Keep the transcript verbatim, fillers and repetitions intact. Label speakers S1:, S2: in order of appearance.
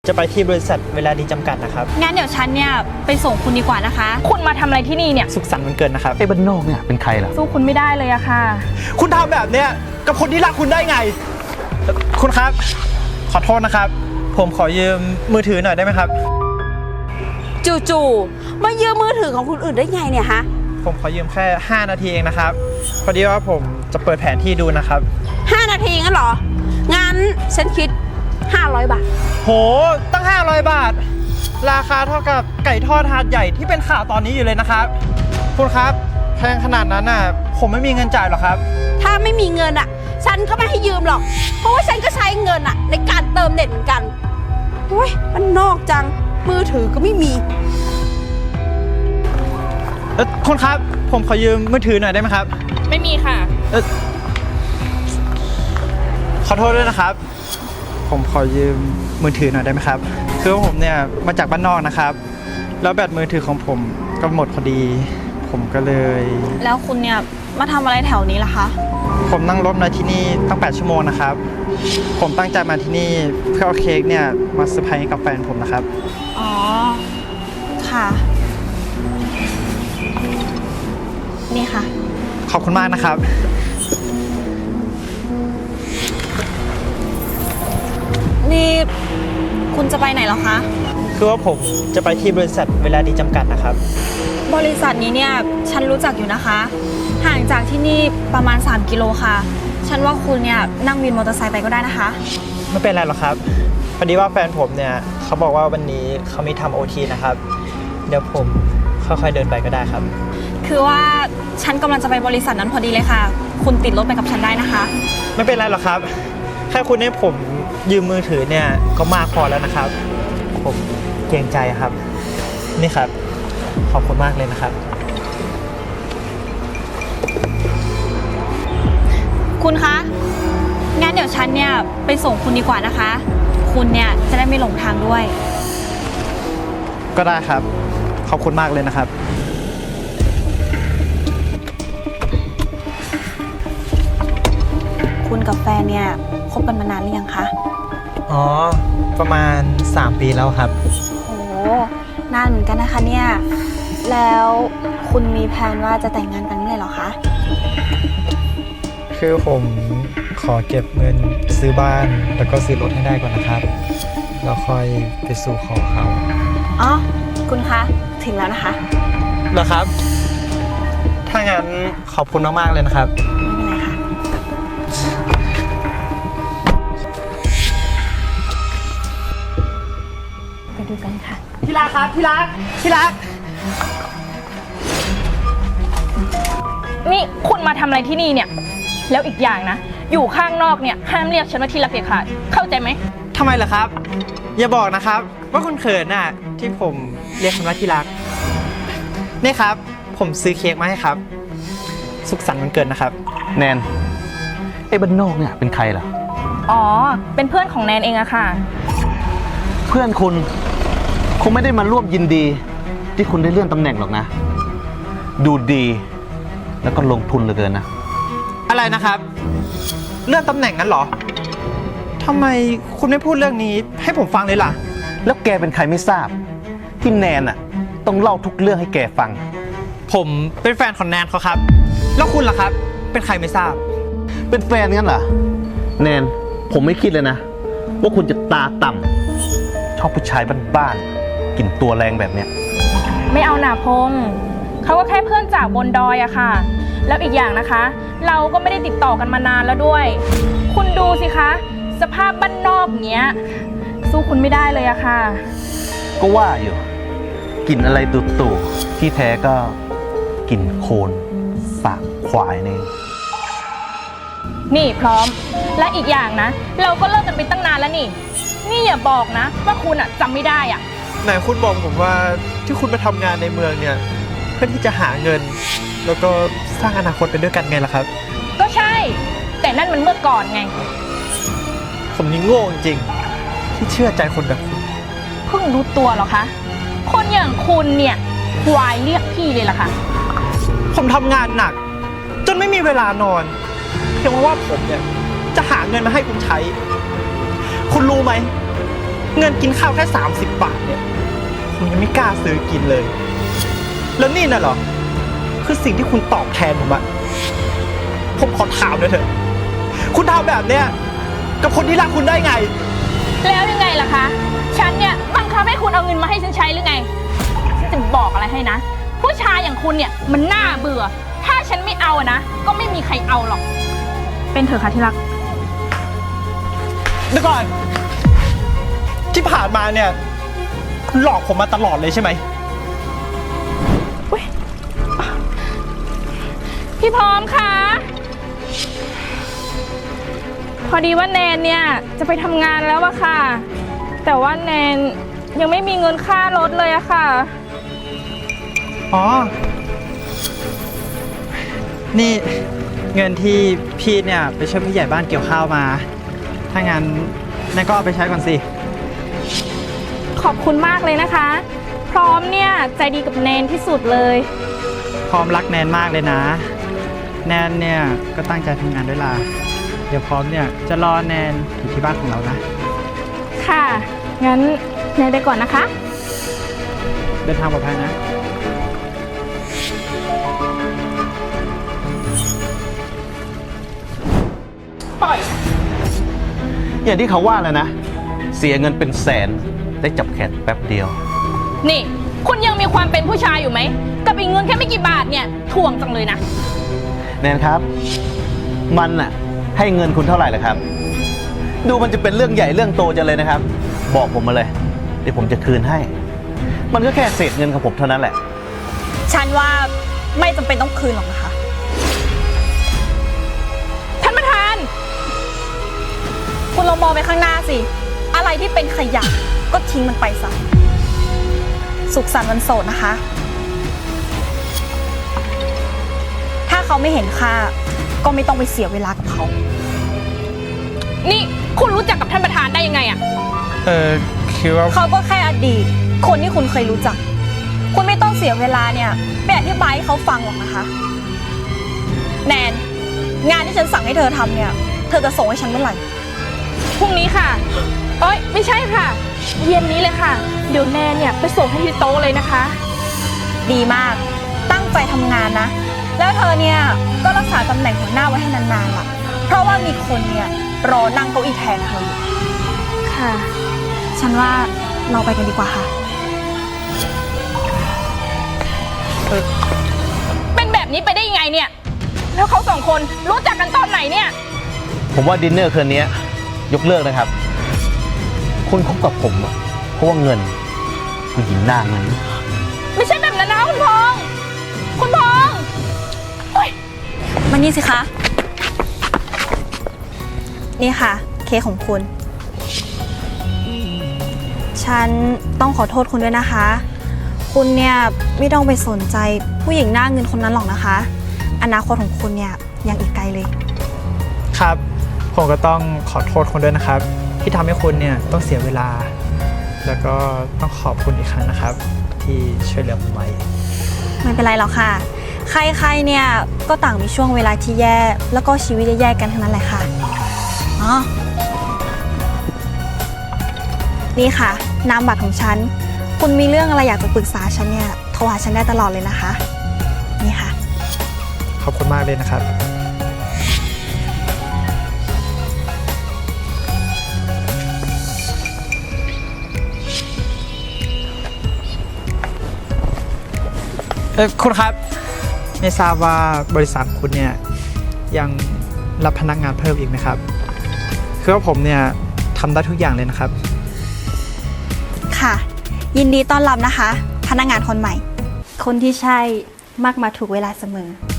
S1: จะไปที่บริษัทเวลาดีจำกัดนะครับ
S2: งั้นเดี๋ยวฉันเนี่ยไปส่งคุณดีกว่านะคะคุณมาทำอะไรที่นี่เนี่ย
S1: สุขสันต์วันเกิดนะครับ
S3: ไอ้บ้านนอกเนี่ยเป็นใครล่ะ
S2: สู้คุณไม่ได้เลยอะค่ะ
S1: คุณทำแบบเนี้ยกับคนที่รักคุณได้ไงคุณครับขอโทษนะครับผมขอยืมมือถือหน่อยได้ไหมครับ
S4: จู่ๆมายืมมือถือของคนอื่นได้ไงเนี่ยฮะ
S1: ผมขอยืมแค่ห้านาทีเองนะครับพอดีว่าผมจะเปิดแผนที่ดูนะครับ
S4: ห้านาทีงั้นเหรองั้นฉันคิดห้าร้อยบาท
S1: โหตั้งห้าร้อยบาทราคาเท่ากับไก่ทอดหาดใหญ่ที่เป็นข่าวตอนนี้อยู่เลยนะครับคุณครับแพงขนาดนั้นน่ะผมไม่มีเงินจ่ายหรอกครับ
S4: ถ้าไม่มีเงินอ่ะฉันก็ไม่ให้ยืมหรอกเพราะว่าฉันก็ใช้เงินอ่ะในการเติมเน็ตเหมือนกันโอ้ยมันนอกจังมือถือก็ไม่มี
S1: เออคุณครับผมขอยืมมือถือหน่อยได้ไหมครับ
S2: ไม่มีค่ะ
S1: เออขอโทษด้วยนะครับผมขอยืมมือถือหน่อยได้ไหมครับคือว่าผมเนี่ยมาจากบ้านนอกนะครับแล้วแบตมือถือของผมก็หมดพอดีผมก็เลย
S2: แล้วคุณเนี่ยมาทำอะไรแถวนี้ล่ะคะ
S1: ผมนั่งรถมาที่นี่ตั้งแปดชั่วโมงนะครับผมตั้งใจมาที่นี่เพื่อเอาเค้กเนี่ยมาเซอร์ไพรส์กับแฟนผมนะครับ
S2: อ๋อค่ะนี่ค่ะ
S1: ขอบคุณมากนะครับ
S2: นี่คุณจะไปไหนเหรอคะ
S1: คือว่าผมจะไปที่บริษัทเวลาดีจำกัดนะครับ
S2: บริษัทนี้เนี่ยฉันรู้จักอยู่นะคะห่างจากที่นี่ประมาณสามกิโลค่ะฉันว่าคุณเนี่ยนั่งวินมอเตอร์ไซค์ไปก็ได้นะคะ
S1: ไม่เป็นไรหรอกครับพอดีว่าแฟนผมเนี่ยเขาบอกว่าวันนี้เขามีทำโอทีนะครับเดี๋ยวผมค่อยๆเดินไปก็ได้ครับ
S2: คือว่าฉันกำลังจะไปบริษัทนั้นพอดีเลยค่ะคุณติดรถไปกับฉันได้นะคะ
S1: ไม่เป็นไรหรอกครับแค่คุณให้ผมยืมมือถือเนี่ยก็มากพอแล้วนะครับผมเกรงใจครับนี่ครับขอบคุณมากเลยนะครับ
S2: คุณคะงั้นเดี๋ยวฉันเนี่ยไปส่งคุณดีกว่านะคะคุณเนี่ยจะได้ไม่หลงทางด้วย
S1: ก็ได้ครับขอบคุณมากเลยนะครับ
S2: คุณกับแฟนเนี่ยคบกันมานานหรือยังคะ
S1: อ๋อประมาณสามปีแล้วครับ
S2: โหนานเหมือนกันนะคะเนี่ยแล้วคุณมีแผนว่าจะแต่งงานกันเมื่อไหร่หรอคะ
S1: คือผมขอเก็บเงินซื้อบ้านแล้วก็ซื้อรถให้ได้ก่อนนะครับแล้วค่อยไปสู่ขอเขา
S2: อ๋อคุณคะถึงแล้วนะคะ
S1: เหรอครับถ้างั้นขอบคุณมากๆเลยนะครับ
S2: ไม่เป็นไรค่ะไปดูกันค่ะ
S1: ที่รักครับที่รักที่รัก
S2: นี่คุณมาทำอะไรที่นี่เนี่ยแล้วอีกอย่างนะอยู่ข้างนอกเนี่ยห้ามเรียกฉันว่าที่รักเด็ดขาดเข้าใจไหม
S1: ทำไมล่ะครับอย่าบอกนะครับว่าคุณเขินน่ะที่ผมเรียกคุณว่าที่รักนี่ครับผมซื้อเค้กมาให้ครับสุขสันต์วันเกิดนะครับ
S3: แนนไอ้บ้านนอกเนี่ยเป็นใครล่ะ
S2: อ๋อเป็นเพื่อนของแนนเองอะค่ะ
S3: เพื่อนคุณคงไม่ได้มาร่วมยินดีที่คุณได้เลื่อนตำแหน่งหรอกนะดูดีแล้วก็ลงทุนเหลือเกินนะ
S1: อะไรนะครับเลื่อนตำแหน่งนั้นเหรอทำไมคุณไม่พูดเรื่องนี้ให้ผมฟังเลยล่ะ
S3: แล้วแกเป็นใครไม่ทราบที่แนนอ่ะต้องเล่าทุกเรื่องให้แกฟัง
S1: ผมเป็นแฟนของแนนเขาครับแล้วคุณล่ะครับเป็นใครไม่ทราบ
S3: เป็นแฟนงั้นเหรอแนนผมไม่คิดเลยนะว่าคุณจะตาต่ำชอบผู้ชายบ้านๆกลิ่นตัวแรงแบบเนี้ย
S2: ไม่เอาหนาพงเขาก็แค่เพื่อนจากบนดอยอะค่ะแล้วอีกอย่างนะคะเราก็ไม่ได้ติดต่อกันมานานแล้วด้วยคุณดูสิคะสภาพบ้านนอกเนี้ยสู้คุณไม่ได้เลยอะค่ะ
S3: ก็ว่าอยู่กลิ่นอะไรตู่ๆที่แท้ก็กลิ่นโคลนสากควายนี่
S2: นี่พร้อมและอีกอย่างนะเราก็เลิกกันไปตั้งนานแล้วนี่นี่อย่าบอกนะว่าคุณอะจำไม่ได้อะ
S1: ไหนคุณบอกผมว่าที่คุณมาทำงานในเมืองเนี่ยเพื่อที่จะหาเงินแล้วก็สร้างอนาคตไปด้วยกันไงล่ะครับ
S2: ก็ใช่แต่นั่นมันเมื่อก่อนไง
S1: ผมนี่โง่จริงๆที่เชื่อใจคนแบบคุณ
S2: เพิ่งรู้ตัวเหรอคะคนอย่างคุณเนี่ยควายเรียกพี่เลยล่ะค่ะ
S1: ผมทำงานหนักจนไม่มีเวลานอนเพียงเพราะว่าผมเนี่ยจะหาเงินมาให้คุณใช้คุณรู้ไหมเงินกินข้าวแค่สามสิบบาทเนี่ยผมยังไม่กล้าซื้อกินเลย แล้วนี่น่ะเหรอคือสิ่งที่คุณตอบแทนผมอะผมขอถามหน่อยเถอะคุณทำแบบเนี้ยกับคนที่รักคุณได้ไง
S2: แล้วยังไงล่ะคะ ฉันเนี่ยบังคับให้คุณเอาเงินมาให้ฉันใช้หรือไง ฉันจะบอกอะไรให้นะ ผู้ชายอย่างคุณเนี่ยมันน่าเบื่อ ถ้าฉันไม่เอาอะนะ ก็ไม่มีใครเอาหรอก เป็นเถอะค่ะที่รัก
S1: เดี๋ยวก่อน ที่ผ่านมาเนี่ยคุณหลอกผมมาตลอดเลยใช่ไหม
S2: พี่พร้อมคะพอดีว่าแนนเนี่ยจะไปทำงานแล้วอะค่ะ แต่ว่าแนนยังไม่มีเงินค่ารถเลยอะค่ะ
S1: อ๋อ นี่เงินที่พี่เนี่ยไปช่วยผู้ใหญ่บ้านเกี่ยวข้าวมา ถ้างั้นแนนก็เอาไปใช้ก่อนสิ
S2: ขอบคุณมากเลยนะคะ พร้อมเนี่ยใจดีกับแนนที่สุดเลย
S1: พร้อมรักแนนมากเลยนะ แนนเนี่ยก็ตั้งใจทำงานด้วยล่ะ เดี๋ยวพร้อมเนี่ยจะรอแนนอยู่ที่บ้านของเรานะ
S2: ค่ะ งั้นแนนไปก่อนนะคะ
S1: เดินทางปลอดภัยนะ
S2: ปล่อย
S3: อย่างที่เขาว่าแล้วนะ เสียเงินเป็นแสนได้จับแขนแป๊บเดียว
S2: นี่ คุณยังมีความเป็นผู้ชายอยู่ไหม กับอีกเงินแค่ไม่กี่บาทเนี่ยถ่วงจังเลยนะ
S3: แนนครับ มันน่ะให้เงินคุณเท่าไหร่ล่ะครับ ดูมันจะเป็นเรื่องใหญ่เรื่องโตจังเลยนะครับ บอกผมมาเลย เดี๋ยวผมจะคืนให้ มันก็แค่เศษเงินของผมเท่านั้นแหละ
S5: ฉันว่าไม่จำเป็นต้องคืนหรอกนะคะ
S2: ท่านประธาน
S5: คุณลองมองไปข้างหน้าสิ อะไรที่เป็นขยะก็ทิ้งมันไปซะ สุขสันต์วันโสดนะคะ ถ้าเขาไม่เห็นค่าก็ไม่ต้องไปเสียเวลากับเขา
S2: นี่คุณรู้จักกับท่านประธานได้ยังไงอะ
S1: เออคือว่า
S5: เขาก็แค่อดีต คนที่คุณเคยรู้จัก คุณไม่ต้องเสียเวลาเนี่ยไปอธิบายให้เขาฟังหรอกนะคะ แนน งานที่ฉันสั่งให้เธอทำเนี่ย เธอจะส่งให้ฉันเมื่อไหร่
S2: พรุ่งนี้ค่ะเอ้ยไม่ใช่ค่ะ เย็นนี้เลยค่ะ เดี๋ยวแนนเนี่ยไปส่งให้ที่โต๊ะเลยนะคะ
S5: ดีมาก ตั้งใจทำงานนะ แล้วเธอเนี่ยก็รักษาตำแหน่งหัวหน้าไว้ให้นานๆล่ะ เพราะว่ามีคนเนี่ยรอนั่งเก้าอี้แทนเธออยู่
S2: ค่ะ
S5: ฉันว่าเราไปกันดีกว่าค่ะ
S2: เป็นแบบนี้ไปได้ยังไงเนี่ย แล้วเขาสองคนรู้จักกันตอนไหนเนี่ย
S3: ผมว่าดินเนอร์คืนนี้ยกเลิกนะครับ คุณคบกับผมอะเพราะว่าเงินผู้หญิงหน้าเงิน
S2: ไม่ใช่แบบนั้นนะคุณพงษ์คุณพงษ์โอ๊ย
S5: มานี่สิคะ นี่ค่ะ เค้กของคุณ ฉันต้องขอโทษคุณด้วยนะคะ คุณเนี่ยไม่ต้องไปสนใจผู้หญิงหน้าเงินคนนั้นหรอกนะคะ อนาคตของคุณเนี่ยยังอีกไกลเลย
S1: ครับ ผมก็ต้องขอโทษคุณด้วยนะครับ ที่ทำให้คุณเนี่ยต้องเสียเวลา แล้วก็ต้องขอบคุณอีกครั้งนะครับ ที่ช่วยเหลือผมไว้
S5: ไม่เป็นไรหรอกค่ะ ใครๆเนี่ยก็ต่างมีช่วงเวลาที่แย่ แล้วก็ชีวิตแย่ๆกันทั้งนั้นแหละค่ะ อ๋อ นี่ค่ะ นามบัตรของฉัน คุณมีเรื่องอะไรอยากจะปรึกษาฉันเนี่ย โทรหาฉันได้ตลอดเลยนะคะ นี่ค่ะ
S1: ขอบคุณมากเลยนะครับ เออคุณครับ ไม่ทราบว่าบริษัทคุณเนี่ยยังรับพนักงานเพิ่มอีกไหมครับ คือว่าผมเนี่ยทำได้ทุกอย่างเลยนะครับ
S5: ค่ะ ยินดีต้อนรับนะคะ พนักงานคนใหม่ คนที่ใช่มักมาถูกเวลาเสมอ